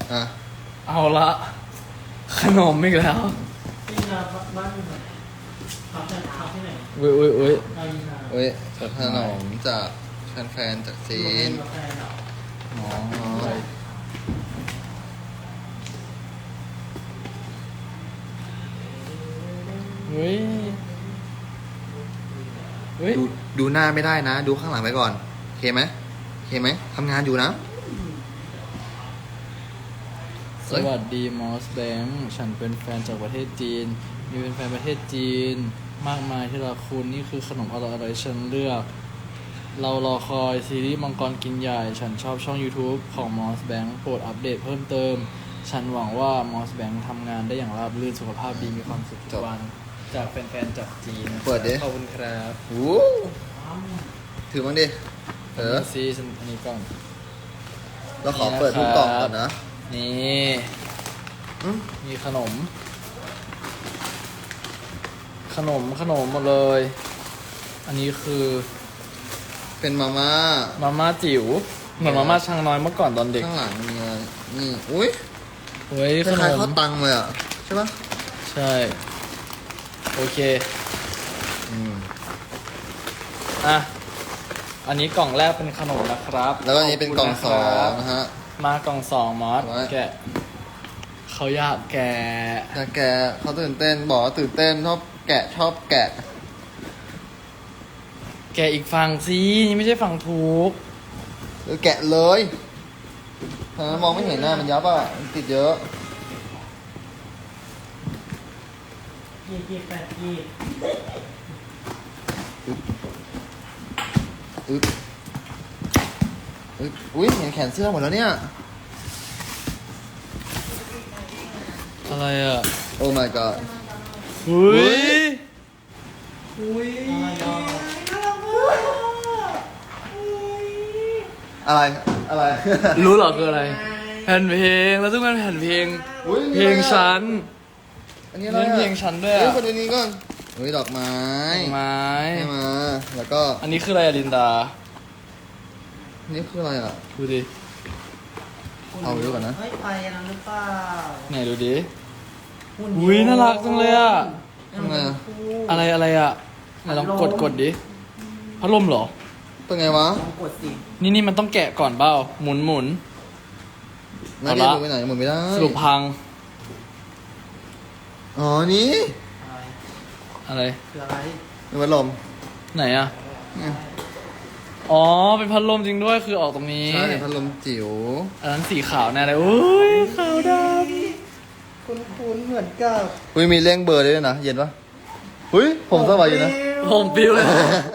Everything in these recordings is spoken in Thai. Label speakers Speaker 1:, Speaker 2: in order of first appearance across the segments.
Speaker 1: อ่ะ
Speaker 2: เอาละขนมอีกแล้ว
Speaker 3: ที่นาบ้านอยู่ไหนทำที่ไหน
Speaker 2: อุ้ยอุ้ยอุ้ย
Speaker 3: นายินา
Speaker 1: เว้ยขนมจากแฟนๆจากจีน
Speaker 3: กาแฟเหรอ
Speaker 2: อ๋อ เฮ้ยเฮ้ย
Speaker 1: ดูหน้าไม่ได้นะ ดูข้างหลังไปก่อนโอเคไหมโอเคไหมทำงานอยู่นะ
Speaker 2: สวัสดีมอสแบงค์ฉันเป็นแฟนจากประเทศจีน มีเป็นแฟนประเทศจีน มากมายที่รักคุณนี่คือขนมอร่อยๆฉันเลือก เรารอคอยซีรีส์มังกรกินใหญ่ ฉันชอบช่อง YouTube ของมอสแบงค์โปรดอัปเดตเพิ่มเติม ฉันหวังว่ามอสแบงค์ทำงานได้อย่างราบรื่นสุขภาพดีมีความสุขทุกวัน จากแฟนๆจากจีน
Speaker 1: เปิดดิ
Speaker 2: ขอบคุณครับ
Speaker 1: โอ้ถือบ้างดิเออ
Speaker 2: ซีฉันอันนี้ก่อน
Speaker 1: เราขอเปิดทุกกล่องก่อนนะ
Speaker 2: นี่
Speaker 1: อืม
Speaker 2: มีขนมหมดเลย อันนี้คือ
Speaker 1: เป็นมาม่า
Speaker 2: มาม่าจิ๋วเหมือนมาม่าช้างน้อยเมื่อก่อนตอนเด็ก
Speaker 1: ข้างหลังมีอะไรนี่อุ้ย
Speaker 2: เฮ้ย
Speaker 1: ค
Speaker 2: ขน
Speaker 1: ล้ายๆ
Speaker 2: ม
Speaker 1: ข้าวตังเลยอ่ะใช่ปะ
Speaker 2: ใช่ โอเค
Speaker 1: อืม
Speaker 2: อ่ะ อันนี้กล่องแรกเป็นขนมนะครับ
Speaker 1: แล้วก็อันนี้เป็นกล่องสองนะฮะ
Speaker 2: มากล่องสองมอส
Speaker 1: ไว้
Speaker 2: แกะเขาอยากแกะ
Speaker 1: แต่แกเขาตื่นเต้นบอกว่าตื่นเต้นชอบแกะชอบแกะ
Speaker 2: แกะอีกฝั่งสินี่ไม่ใช่ฝั่งถูก
Speaker 1: หรือแกะเลยทางนั้นมองไม่เห็นหน้ามันยับอ่ะมันติดเยอะ
Speaker 3: ยี่8ยี่
Speaker 1: อึ๊บอึ๊บอุ้ยเห็นแขนเสื้อหมดแล้วเนี่ย
Speaker 2: อะไรอ่ะ
Speaker 1: โอ้ my god
Speaker 2: อุ้ย
Speaker 3: อุ้ย
Speaker 1: อะไรอะไร
Speaker 2: รู้เหรอคืออะไร แผ่นเพลงแล้วซึ่งเป็นแผ่นเพลง
Speaker 1: อุ๊ย
Speaker 2: เพลงฉัน
Speaker 1: อันนี้อะไร
Speaker 2: เล่นเพลงฉันด้วยอะ
Speaker 1: เฮ้ยคนนี้ก่อนเฮ้ยดอกไม้
Speaker 2: ดอกไม้
Speaker 1: ให้มา แล้วก็
Speaker 2: อันนี้คืออะไรอะลินดา
Speaker 1: นี่คืออะไรอ่ะ
Speaker 2: ดูดิ
Speaker 1: เอาไปดูก่อนนะ
Speaker 3: เฮ้ยไปอันนั้นหรือเปล่า
Speaker 2: ไหนดูดิ
Speaker 3: หุ่น
Speaker 2: อุ๊ยน่ารักจังเลยอะ
Speaker 1: ทำไงอะ
Speaker 2: อะไรอ่ะไหนลองกดดิพัดลมเหรอ
Speaker 1: เป็นไงวะ
Speaker 3: ลองกดสิ
Speaker 2: นี่มันต้องแกะก่อนเปล่าหมุน
Speaker 1: น่า
Speaker 2: เอา
Speaker 1: เรีย
Speaker 2: ละ
Speaker 1: กดูไปไหนหมุนไม่ได้
Speaker 2: สรุปพัง
Speaker 1: อ๋อ นี่
Speaker 3: อะไร
Speaker 2: อะไร
Speaker 3: คืออะไร
Speaker 1: เป็นพัดลม
Speaker 2: ไหนอ่ะ
Speaker 1: เนี่ย
Speaker 2: อ๋อเป็นพัดลมจริงด้วยคือออกตรงนี้
Speaker 1: ใช่เป็นพัดลมจิ๋ว
Speaker 2: อันนั้นสีขาวแน่เลยอุ้ยขาวด
Speaker 3: คุ้นๆเหมือนกับ
Speaker 1: อุ้ยมีเร่งเบอร์ด้วยนะ เย็นปะอุ้ยผมสบายอยู่นะ
Speaker 2: ำผมปิวเลย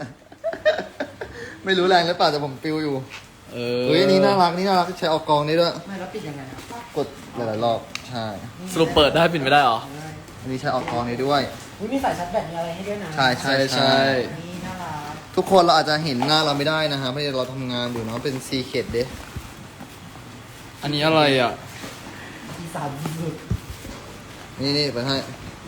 Speaker 1: ไม่รู้แรงหรือเปล่าแต่ผมปิวอยู่
Speaker 2: เอ
Speaker 1: เฮ้ยอันนี้น่ารักนี่น่ารักใช้ออกกองได้ด้วย
Speaker 3: ไม่แล้วปิดยังไงครับ
Speaker 1: กดหลายๆรอบ ใช่
Speaker 2: สรุปเปิดได้ปิดไม่ได้เหรอ
Speaker 1: อันนี้ใช้ออกกองได้ด้วย
Speaker 3: อุ้ยมีสายชาร์จแบตมีอะไรให้ด้วยนะ
Speaker 1: ใช่ใช่
Speaker 2: ใช่
Speaker 1: ใช่
Speaker 3: นี่น่ารัก
Speaker 1: ทุกคนเราอาจจะเห็นหน้าเราไม่ได้นะฮะเพราะเราทำงานอยู่เนาะเป็นซีเคดเด้
Speaker 2: อันนี้อะไรอ่ะ
Speaker 3: อีสานสุด
Speaker 1: นี่ไปให้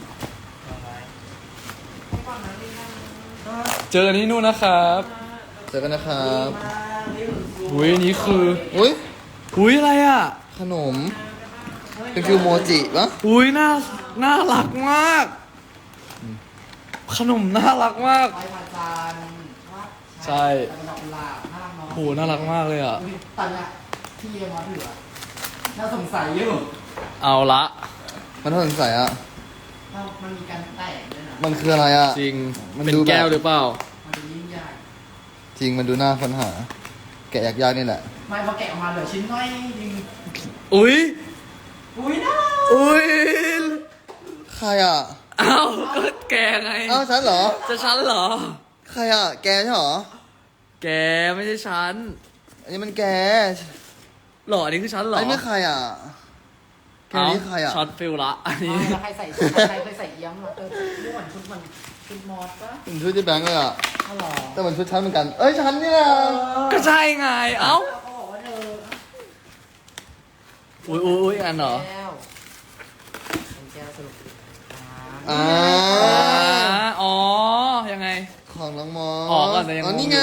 Speaker 2: เจอกันที่นู่นนะครับ
Speaker 1: เจอกันนะครับ
Speaker 2: อุ้ยอันนี้คือ
Speaker 1: อุ้ย
Speaker 2: อุ้ยอะไรอ่ะ
Speaker 1: ขนม เป็นฟิวโมจิปะ
Speaker 2: อุ้ยน่ารักมาก ขนมน่ารักมาก
Speaker 3: ไปผ่านจานว่า
Speaker 2: ใช่
Speaker 3: แต่ดอกกุหลาบน่ารักเนาะ
Speaker 2: โหน่ารักมากเลยอ่ะ
Speaker 3: อุ๊ยตอนเนี้ยที่เยมาถืออะน่าสงสัยอยู่
Speaker 2: เอาละ
Speaker 1: มันน่าสงสัยอ่ะ
Speaker 3: มันมีการแตกด้วยนะ
Speaker 1: มันคืออะไรอ่ะ
Speaker 2: จริง
Speaker 1: มัน
Speaker 2: เป็น
Speaker 1: ดูแบบ
Speaker 2: แก้วหรือเปล่า
Speaker 3: มันดูยิ่งใหญ่
Speaker 1: จริงมันดูน่าค้นหา แกะยากๆนี่แหละ
Speaker 3: ไม่พอแกะออกมาเหลือชิ้นน้อยจริง
Speaker 2: อุ้ย
Speaker 3: อุ้ยน่า
Speaker 2: อุ้ย
Speaker 1: ใครอ่ะ
Speaker 2: เอ้าก็แกไง
Speaker 1: อ้าวฉันเหรอ
Speaker 2: จะฉันเหรอ
Speaker 1: ใครอ่ะ แกใช่เหรอ
Speaker 2: แกไม่ใช่ฉัน
Speaker 1: อันนี้มันแก
Speaker 2: หรออันนี้คือฉันเหรอ
Speaker 1: ไอ้นี่ใครอ่ะ แกนี่ใครอ่ะ
Speaker 2: ช็อตฟิลละ อันนี้
Speaker 3: ไม่แล้วใครใส่ใครเคยใส่เอี้ยมเหรอนี่เหมือนชุดมอสปะ
Speaker 1: เป็นชุดที่แบงค์เลยอ่ะ
Speaker 3: อ๋อเหรอ
Speaker 1: แต่มันชุดฉันเหมือนกัน เอ้ยฉันเนี่ย
Speaker 2: ก็ใช่ไง เอ้า
Speaker 3: เขาบอกว่าเธอ
Speaker 2: อุ้ยอันเหรอ
Speaker 3: แก้วเป็นแก้วสรุป
Speaker 1: อ่า
Speaker 2: อ๋อ ยังไง
Speaker 1: ของน้องมอส
Speaker 2: อ๋อก่อนแต่ยัง
Speaker 1: อ๋อ
Speaker 2: งง
Speaker 1: นี่ไง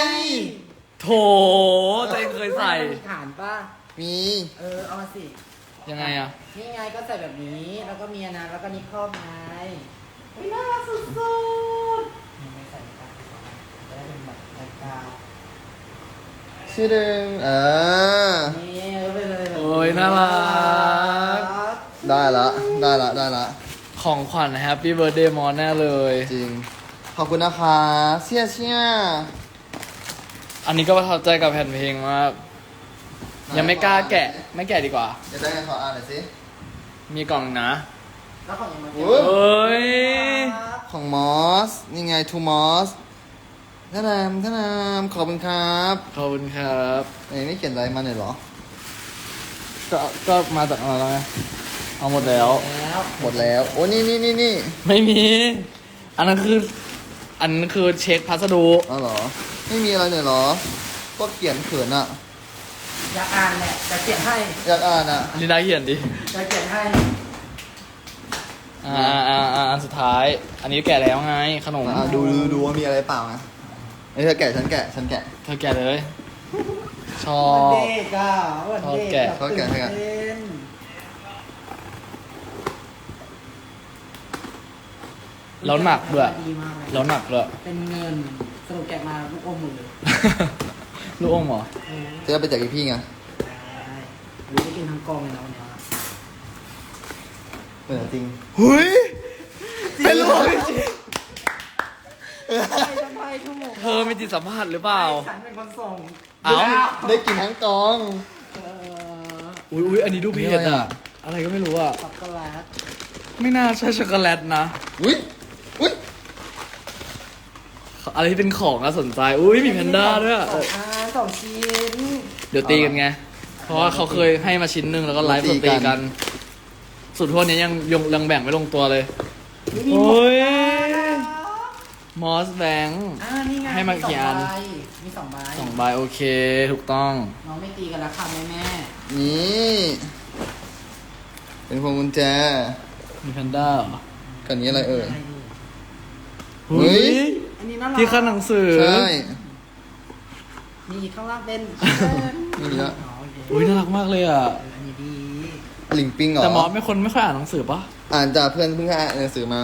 Speaker 2: โถใจเคยใส่
Speaker 3: มีฐานป่ะ
Speaker 1: มี
Speaker 3: เอามาสิ
Speaker 2: ยังไงอะ
Speaker 3: นี่ไงก็ใส่แบบนี้แล้วก็มีอันนั้นแล้วก็นิครอบไงไม่น่ารักสุดๆยังไม่ใส่ในการจะได้เป็นแบบรายการ
Speaker 1: ชื่อเดิม
Speaker 3: นี่ก็ไปเลยแบบ
Speaker 2: โอ้ยน่ารัก
Speaker 1: ได้ละได้ละได้ละ
Speaker 2: ของขวัญแฮปปี้เบิร์ดเดย์มอสแน่เลย
Speaker 1: จริง ขอบคุณนะคะเชี่ยเชี่ย
Speaker 2: อันนี้ก็ประทับใจกับแผ่นเพลงมาก ยังไม่กล้าแกะ ไม่แกะดีกว่า
Speaker 1: จะได้ไงขออ่านหน่อยสิ
Speaker 2: มีกล่องนะ
Speaker 3: แล้วของยังมา
Speaker 1: โอ้
Speaker 2: เอ้ย
Speaker 1: ของมอส นี่ไงทูมอสท่านนามขอบคุณครับ
Speaker 2: ขอบคุณครับ
Speaker 1: ไม่เขียนอะไรมาหน่อยเหรอ
Speaker 2: ก็มาจากอะไรไงเอาหมดแล้ว
Speaker 3: แล้ว
Speaker 1: หมดแล้ว โอ้นี่
Speaker 2: ไม่มี อันนั้นคือเช็คพัสดุ
Speaker 1: อ๋อเหรอ ไม่มีอะไรหน่อยเหรอ ก็เขียนเขินอ่ะ
Speaker 3: อยากอ่านแหละจะเขียนให้
Speaker 1: อยากอ่านอ่ะ
Speaker 2: ลินดาเขียนดิ
Speaker 3: จะเขียนให้
Speaker 2: อันสุดท้าย อันนี้แกะแล้วไง ขนม
Speaker 1: ดูว่ามีอะไรเปล่านะเอ้ยเธอแกะฉันแกะ
Speaker 2: เธอแกะเลย ชอ
Speaker 3: วัน
Speaker 2: บ
Speaker 3: เด็กอ่ะวันเด็ก
Speaker 1: ชอบแกะ
Speaker 3: ตื่นเต้น
Speaker 2: แล้วหนักด้วย
Speaker 3: ดีมากเลย
Speaker 2: แล้วหนักด้วย
Speaker 3: เป็นเงินสรุปแกะมาลูกอมหมดเลย
Speaker 2: ลูกอมเหรอ
Speaker 1: เธอเอาไปแจกพี่ไง
Speaker 3: ได้หรือจะกินทั้งกองเลยนะวันเนี้ย
Speaker 1: จริง
Speaker 2: หุยเป็นลูก
Speaker 3: ทำไมชั่วโมง
Speaker 2: เธอมีจิตสัมผัสหรือเปล่า
Speaker 3: ฉันเป็นคนส่ง
Speaker 2: เอ้า
Speaker 1: ได้กินทั้งกอง
Speaker 2: อุ้ยอันนี้ดูเผ็ดอ่ะ อะไรก็ไม่รู้อ่ะ
Speaker 3: ช็อกโกแลต
Speaker 2: ไม่น่าใช่ช็อกโกแลตนะ
Speaker 1: อุ้ย
Speaker 2: อะไรที่เป็นของน่าสนใจ อุ้ยมีแพนด้าด้วยอะ
Speaker 3: สองชิ้น
Speaker 2: เดี๋ยวตีกันไง เพราะว่าเขาเคยให้มาชิ้นหนึ่งแล้วก็ไลฟ์สดตีกัน สุดทั่วนี้ยังแบ่งไม่ลงตัวเลย
Speaker 3: มี
Speaker 2: โอ้
Speaker 3: หมด
Speaker 2: ย
Speaker 3: แล้ว
Speaker 2: มอสแบงค์
Speaker 3: นี่ไง
Speaker 2: ให้มากี่อัน
Speaker 3: มีสองใบ
Speaker 2: 2 ใบโอเค ถูกต้อง
Speaker 3: น้องไม่ตีกันแล้วค่ะแม่
Speaker 1: นี่ เป็นพวงกุญแจ
Speaker 2: มีแพนด้าเหรอ
Speaker 1: กันนี้อะไรเอ่ย เฮ้
Speaker 2: เฮ้
Speaker 1: ย
Speaker 2: ย
Speaker 3: อันนี้น่ารัก
Speaker 2: ที่ขั้นหนังสือ
Speaker 1: ใช่
Speaker 3: มีข้างล่างเป็น
Speaker 1: นี่ละ
Speaker 3: อ๋อโอเค
Speaker 2: อุ้ยน่ารักมากเลยอ่ะ
Speaker 3: อันนี้ดี
Speaker 1: ลิงปิงเหรอ
Speaker 2: แต่มอสไม่คนไม่ค่อยอ่านหนังสือปะ
Speaker 1: อ่านจากเพื่อนเพิ่งอ่านหนังสือมา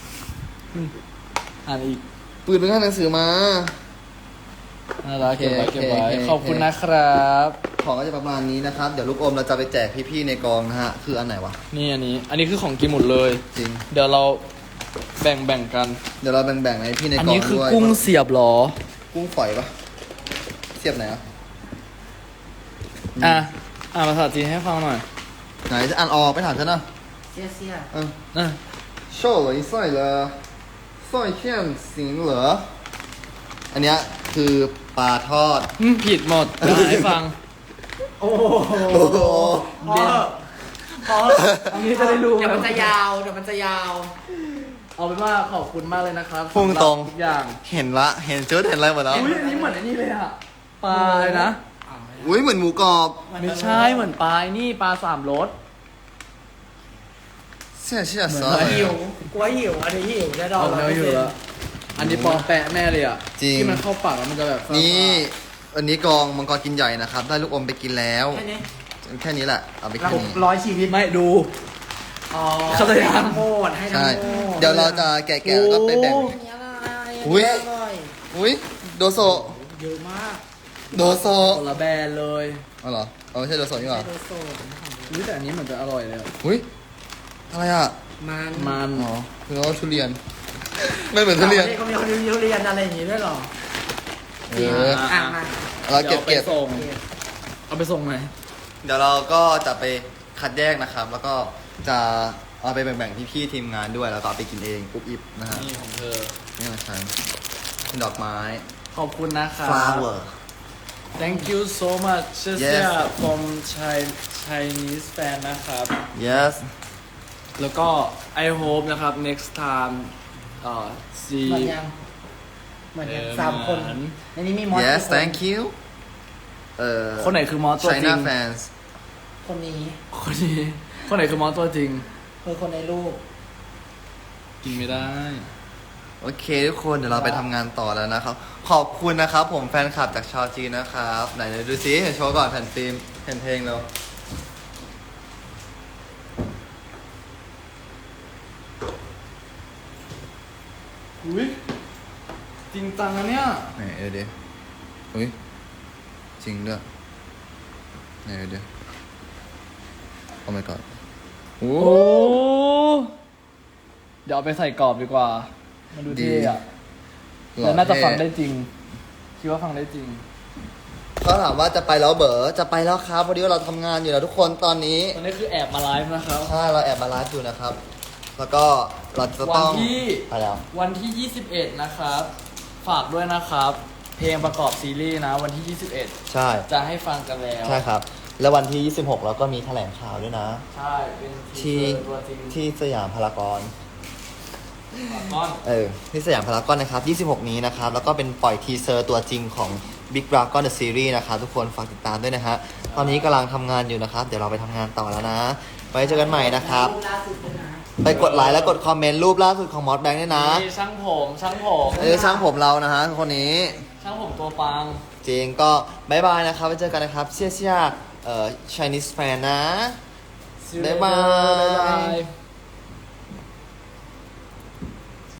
Speaker 2: อ่านอีก
Speaker 1: ปืนเพิ่งอ่านหนังสือมา
Speaker 2: น่ารักเก็บไว้
Speaker 1: โอเค
Speaker 2: เก็บไว้
Speaker 1: โอเค
Speaker 2: ขอบคุณนะครับ
Speaker 1: ของก็จะประมาณนี้นะครับ เดี๋ยวลูกอมเราจะไปแจกพี่ๆในกองนะฮะ คืออันไหนวะ
Speaker 2: นี่อันนี้คือของกินหมดเลย
Speaker 1: จริง
Speaker 2: เดี๋ยวเราแบ่งกัน
Speaker 1: เดี๋ยวเราแบ่งๆให้พี่ใน
Speaker 2: อัน
Speaker 1: กอง
Speaker 2: นี้คือ
Speaker 1: ด้วย
Speaker 2: กุ้งเสียบเหรอ
Speaker 1: กุ้งฝอยปะเสียบไหนอ่ะ
Speaker 2: ภาษาจีนให้ฟังหน่อย
Speaker 1: ไหนจะอ่านออกไปถามฉันนะ
Speaker 3: เสียเสีย
Speaker 1: 嗯，
Speaker 2: อ่ะ
Speaker 1: 瘦了一岁了，算骗行了。อันเนี้ยคือปลาทอด
Speaker 2: ผิดหมดจะให้ฟัง
Speaker 3: โอ้โห
Speaker 1: โอ้โห
Speaker 3: พอ
Speaker 2: อันนี้จะได้รู้
Speaker 3: เดี๋ยวมันจะยาวเดี๋ยวมันจะยาว
Speaker 2: เอาเป็นว่าขอบคุณมากเลยนะครับ
Speaker 1: พุ่งตรง
Speaker 2: สำหบทุกอย่าง
Speaker 1: เห็นละเห็นชุดเห็นอะไรหมดแล้ว
Speaker 2: อุ้ยอันนี้เหมือนอันนี้เลยอะปลาเลยนะ
Speaker 1: อุ้ยเหมือนหมูกรอบ
Speaker 2: ไม่ใช่เหมือนปลานี่ปลาสามรส
Speaker 1: เชี่ยเชี่ย
Speaker 2: เหมือน
Speaker 1: ซอ
Speaker 2: อะไร
Speaker 3: หิวกลัวหิวอันนี้หิวแน่นอน
Speaker 2: เอาเนื้ออยู่แล้วอันนี้ปลอมแปะแน่เลยอ่ะ
Speaker 1: จริง
Speaker 2: ที่มันเข้าปากแล้วมันจะแบบ
Speaker 1: นี่วันนี้กองมังกรกินใหญ่นะครับ ได้ลูกอมไปกินแล้ว
Speaker 3: แค่นี้
Speaker 1: แค่นี้แหละ เอาไป
Speaker 3: เรา
Speaker 1: แค่นี้
Speaker 3: ร้อยชีวิต
Speaker 2: ไม่ดู
Speaker 3: อ๋อ
Speaker 2: เข้าใจยัง
Speaker 3: ให้ทั้งหมดให้ทั้ง
Speaker 1: ใช่
Speaker 3: หมด
Speaker 1: เดี๋ยวเราจะแกะๆแล้วก็ไปแบ่ง
Speaker 3: อันนี้อะไร
Speaker 1: อุ๊ย
Speaker 3: นนี้อร่อย
Speaker 1: อุ้ยโดโซ
Speaker 3: เยอะมาก
Speaker 1: โดโซ
Speaker 2: คนละแบรนด์เลย
Speaker 1: เอาเหรอเอาไม่ใช่โดโซนี่หรอ
Speaker 3: ไดโดโซน
Speaker 2: อุ้ยแต่อันนี้เหมือนจะอร่อยเลยอะ
Speaker 1: อุ้ยอะไรอ่ะ
Speaker 3: มัน
Speaker 2: มัน
Speaker 1: อ๋อคือว่าทุเรียน ไม่เหมือนทุเรียน
Speaker 3: เขามีคนทุเรียนอะไรอย่างงี้ด้วยเหรอ
Speaker 1: เออ
Speaker 3: อ่ะมา
Speaker 1: เราเก็บ
Speaker 2: ดี๋ยว
Speaker 1: เก็บ
Speaker 2: อาไปส่งเอาไปส่งไหน
Speaker 1: เดี๋ยวเราก็จะไปคัดแยกนะครับ แล้วก็จะเอาไปแบ่งๆพี่ๆทีมงานด้วย แล้วก็เอาไปกินเองปุ๊บอิบนะฮะ
Speaker 2: นี่ของเธอ
Speaker 1: นี่ของฉันเป็นดอกไม้
Speaker 2: ขอบคุณนะครับ
Speaker 1: flower
Speaker 2: Thank you so much เชี่ย
Speaker 1: Yes
Speaker 2: from Chinese fan นะครับ
Speaker 1: yes
Speaker 2: แล้วก็ I hope นะครับ next time see
Speaker 3: เหมือนยังเหมือนยัง
Speaker 2: เออ
Speaker 3: สามคน
Speaker 2: เหมือน
Speaker 3: ในนี้มีมอส
Speaker 1: yes
Speaker 3: กี่
Speaker 1: thank you
Speaker 2: คนไหนคือมอสตัวจริ
Speaker 1: China
Speaker 2: ง
Speaker 1: fans
Speaker 3: คนนี้
Speaker 2: คนนี้คนไหนคือมอสตัวจริง
Speaker 3: คือคนในรูป
Speaker 2: กินไม่ได้
Speaker 1: โอเคทุกคนเดี๋ยวเราไปทำงานต่อแล้วนะครับ ขอบคุณนะครับ ผมแฟนคลับจากชาวจีนนะครับ ไหนดูซิเห็นโชว์ก่อนแผ่นฟิล์มแผ่นเพลงเรา
Speaker 2: จังนะเนี่ย
Speaker 1: ไหนเดี๋ยวอุ้ยจริงด้วยไหนเดี๋ยวโอ้ my god โอ้
Speaker 2: โอ้ เดี๋ยวเอาไปใส่กรอบดีกว่า มันดูเท่อะ
Speaker 1: หล่อ
Speaker 2: แล้วน่าจะ
Speaker 1: เท่
Speaker 2: ฟังได้จริง คิดว่าฟังได้จริง
Speaker 1: เขาถามว่าจะไปแล้วเบ๋อจะไปแล้วครับพอดีว่าเราทำงานอยู่แล้วทุกคนตอนนี้
Speaker 2: ตอนนี้คือแอบมาไลฟ์นะครับ
Speaker 1: ใช่เราแอบมาไลฟ์อยู่นะครับ แล้วก็เราจะ
Speaker 2: วั
Speaker 1: ต้อง
Speaker 2: ที่
Speaker 1: ไปแล้ว
Speaker 2: วันที่ 21 นะครับ ฝากด้วยนะครับ เพลงประกอบซีรีส์นะ วันที่
Speaker 1: ใช่
Speaker 2: 21 จะให้ฟังกันแล้ว
Speaker 1: ใช่ครับ แล้ววันที่ 26เราก็มีแถลงข่าวด้วยนะ
Speaker 2: ใช่ เป็นที
Speaker 1: ที่
Speaker 2: เซอร์ตัวจริง
Speaker 1: ที่สยามพารากอน
Speaker 2: ก้อน
Speaker 1: ที่สยามพารากอนนะครับ 26 นี้นะครับ แล้วก็เป็นปล่อยทีเซอร์ตัวจริงของ Big Dragon The Series นะครับ ทุกคนฝากติดตามด้วยนะฮะ ตอนนี้กำลังทำงานอยู่นะครับ เดี๋ยวเราไปทำงานต่อแล้วนะ ไว้เจอกันใหม่นะครับ
Speaker 3: รูปล่าสุดด้วยนะ
Speaker 1: ไปกดไลค์และกดคอมเมนต์รูปล่าสุดของมอสแบงค์ด้วยนะ
Speaker 2: นี่ช่างผมช่างผม
Speaker 1: ช่างผมเรานะฮะคนนี้
Speaker 2: ช่างผมตัวปัง
Speaker 1: จริงก็บายบายนะครับ ไว้เจอกันนะครับเชี่ยChinese fan นะ บ๊ายบาย
Speaker 2: บ๊ายบาย